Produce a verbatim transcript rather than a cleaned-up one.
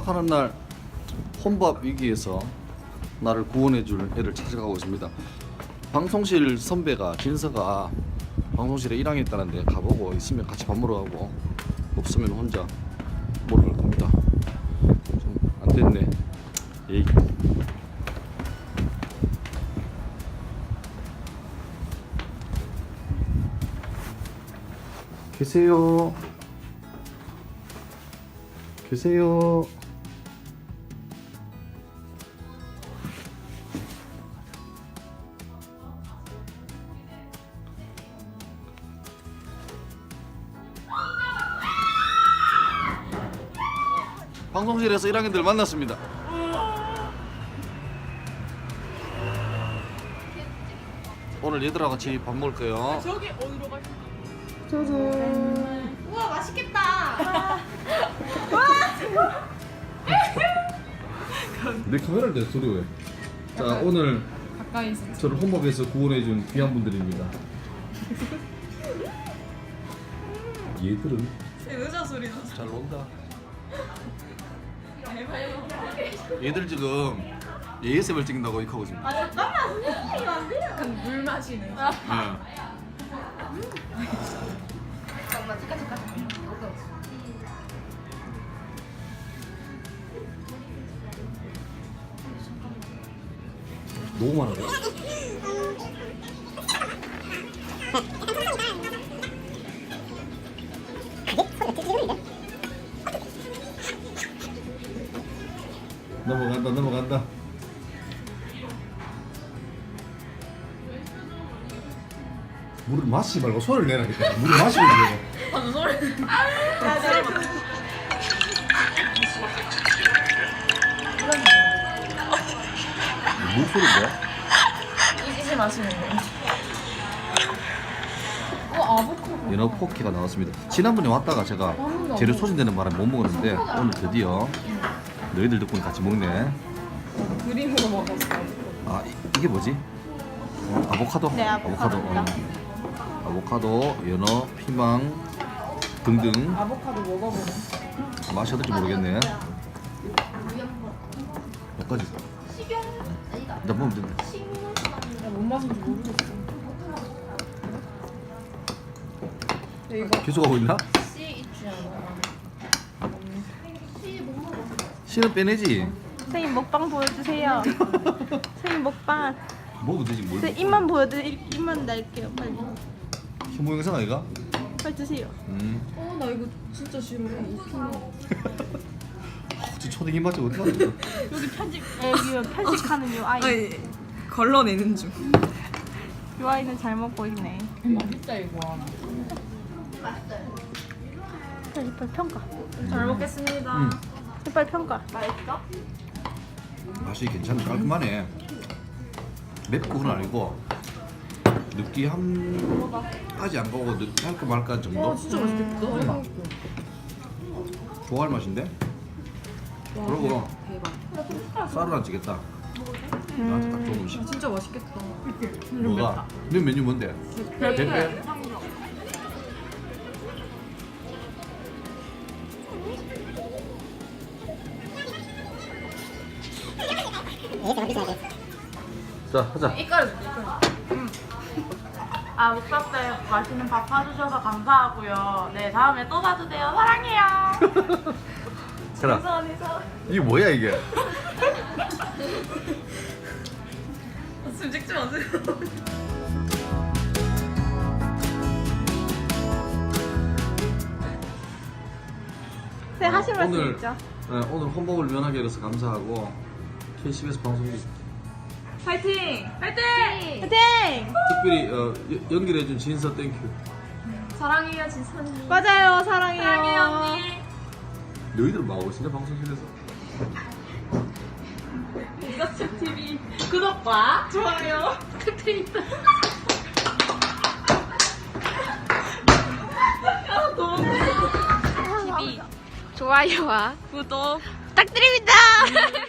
마지막 하는 날 혼밥 위기에서 나를 구원해줄 애를 찾아가고 있습니다. 방송실 선배가 진서가 방송실에 일 학년 있다는데 가보고 있으면 같이 밥 먹으러 가고 없으면 혼자 먹으러 갈 겁니다. 좀 안됐네. 에이. 계세요. 계세요. 방송실에서 일 학년들 만났습니다. 오늘 얘들하고 같이 밥 먹을 거예요. 저기 어디로 가시? 짜잔. 우와 맛있겠다. 내 카메라를 내 소리 왜? 자 오늘 가까이서. 저를 혼밥에서 구원해준 귀한 분들입니다. 얘들은 의자 소리 나. 잘 논다. 얘들 지금 에이에스엠알 찍는다고 이렇게 하고 있습니다. 아 잠깐만 선생님 안 돼요. 약간 물 마시는. 네. 잠깐만 잠깐 잠깐. 너무 많아. 넘어간다 넘어간다. 물을 마시지 말고 소리를 내라니까. 물을 마시고 있는 방금 소리. 물 소리 뭐야? 이지시 마시는 거. 어 아보카도. 연어 포케가 나왔습니다. 지난번에 왔다가 제가 재료 소진되는 바람에 못 먹었는데 오늘 드디어 너희들 덕분에 같이 먹네. 그림으로 먹었어. 아 이, 이게 뭐지? 어, 아보카도? 네, 아보카도입니다. 어. 아보카도, 연어, 피망 등등. 아보카도 먹어보네. 맛이 어떨지 모르겠네. 몇 가지? 식용 아니다. 일단 먹으면 된다. 뭔 맛인지 모르겠어. 근데 이거 계속 하고 있나? 씨 있지 않아? 씨못 먹어. 씨는 빼내지. 선생님 먹방 보여주세요. 선생님 먹방. 먹어도 되지 뭘. 선생님 입만 보여드릴 입만 날게요. 빨리. 혐오 영상 아이가? 빨리 주세요. 음. 어 나 이거 진짜 싫어해. 이 피망. 저 초딩 입맛이 어디 갔어? 여기 편집 여기 편식하는 요 아이. 아니 걸러내는 중. 요 아이는 잘 먹고 있네. 맛있다 이거. 맛있어요. 빨리 빨리 평가. 잘 먹겠습니다. 음. 빨리 평가. 맛있어? 맛이 괜찮네. 깔끔하네. 맵고 그건 아니고 느끼함까지 안 가고 느끼할까 말까 정도? 와 진짜 맛있겠다. 음. 좋아할 맛인데? 그리고 대박. 쌀을 안 찌겠다. 나한테 딱 좋은 음식. 진짜 맛있겠다. 뭐가? 네 메뉴 뭔데? 대패. 자 하자. 이깔 이깔. 아 오빠 때 맛있는 밥 사주셔서 감사하고요. 네 다음에 또 사주세요. 사랑해요. 그래. 이게 뭐야 이게? 지금 찍지 마세요. 네 하실 말씀 오늘 있죠? 네, 오늘 혼밥을 면하게 해서 감사하고 케이씨비에스 방송국 파이팅! 파이팅! 화이팅! 특별히 어, 여- 연결해준 진서 땡큐. 사랑해요 진선이. 맞아요 사랑해요. 사랑해요 언니. 너희들 뭐 하고 있었냐 방송실에서? 이것집 티비 구독과 좋아요 끝에 있다. 아 너무 티비 좋아요와 구독 부탁드립니다.